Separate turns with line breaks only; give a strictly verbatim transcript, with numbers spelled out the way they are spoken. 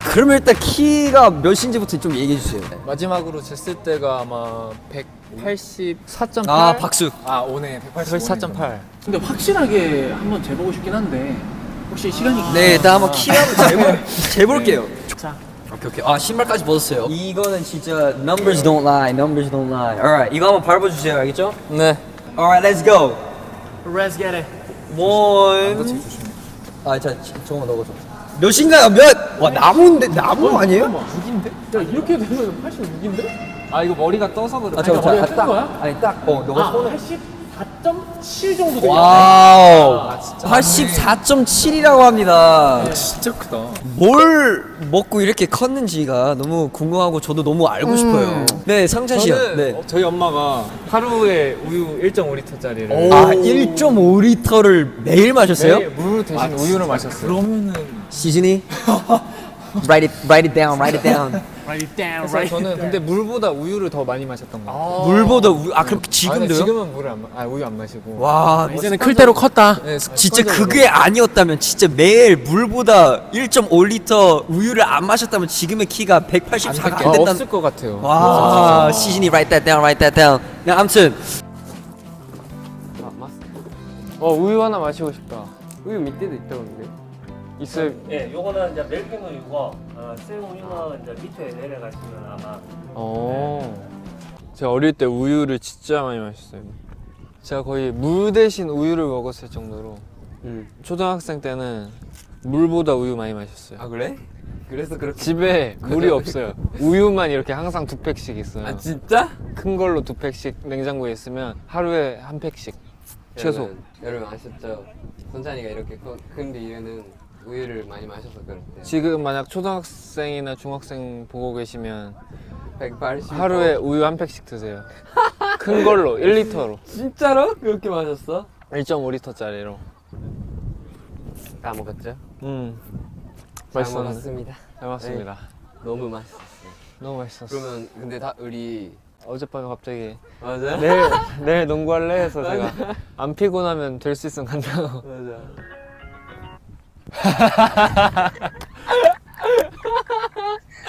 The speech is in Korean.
그러면 일단 키가 몇인지부터 좀 얘기해 주세요.
마지막으로 쟀을 때가 아마 백팔십사 점 팔.
아 박수.
아 오네 백팔십사 점 팔.
근데 확실하게 한번 재보고 싶긴 한데 혹시 시간이
네, 일단 한번 키 한번 재볼 재볼게요.
자,
오케이 오케이. 아 신발까지 벗었어요. 이거는 진짜 numbers don't lie, numbers don't lie. Alright, 이거 한번 밟아 주세요, 알겠죠?
네.
Alright, let's go.
let's get it.
one. 아, 자, 저거 넣어줘. 몇인가요? 몇? 와 나무인데 나무 아니에요?
육인데? 야 이렇게 되면 팔십육인데?
아 이거 머리가 떠서 그래.
아, 저거
머리가
자,
뜬
딱.
거야?
아니 딱. 어, 너가
아,
손을.
팔십사 점 칠 정도 되겠네.
와우. 팔십사 점 칠이라고 합니다.
진짜 크다.
뭘 먹고 이렇게 컸는지가 너무 궁금하고 저도 너무 알고 싶어요. 네, 상찬 씨요.
저는
네.
어, 저희 엄마가 하루에 우유 일 점 오 리터짜리를
아, 일 점 오 리터를 매일 마셨어요?
매일 물 대신 우유를 마셨어요. 그러면은
시즌이? write it, write it down, write it down.
Write it down,
그래서
write it
저는
down.
근데 물보다 우유를 더 많이 마셨던 거 같아요.
물보다 우유, 아 그럼
아, 근데
지금도요?
지금은 물을 안 마, 아 우유 안 마시고.
와,
이제는 클 대로 컸다.
네,
진짜
습관적으로.
그게 아니었다면 진짜 매일 물보다 일 점 오 리터 우유를 안 마셨다면 지금의 키가 백팔십사가 안
아,
된다.
없을 것 같아요.
와, 시즌이 write that down, write that down. 네, 아무튼
어 우유 하나 마시고 싶다. 우유 밑에도 있다던데. 있어요.
예, 요거는 이제 멜팅 우유고 어, 생 우유는 이제 밑에 내려가시면 아마
어. 제가 어릴 때 우유를 진짜 많이 마셨어요. 제가 거의 물 대신 우유를 먹었을 정도로. 초등학생 때는 물보다 우유 많이 마셨어요.
아 그래? 그래서 그렇게
집에 물이 없어요. 우유만 이렇게 항상 두 팩씩 있어요.
아 진짜?
큰 걸로 두 팩씩 냉장고에 있으면 하루에 한 팩씩 최소.
여러분, 여러분 아셨죠? 선찬이가 이렇게 커- 큰 이유는 우유를 많이 마셔서 그렇대요.
지금 만약 초등학생이나 중학생 보고 계시면
백팔십.
하루에 우유 한 팩씩 드세요. 큰 걸로 일 리터로
진짜로? 그렇게 마셨어?
일 점 오 리터짜리로.
다 먹었죠?
음.
잘
맛있었는데.
먹었습니다.
잘 먹었습니다.
너무 맛있었어.
너무 맛있었어.
그러면 근데 다 우리
어젯밤에 갑자기
맞아?
내일 내일 농구할래 해서 제가 안 피곤하면 될 수 있으면 간다고.
맞아.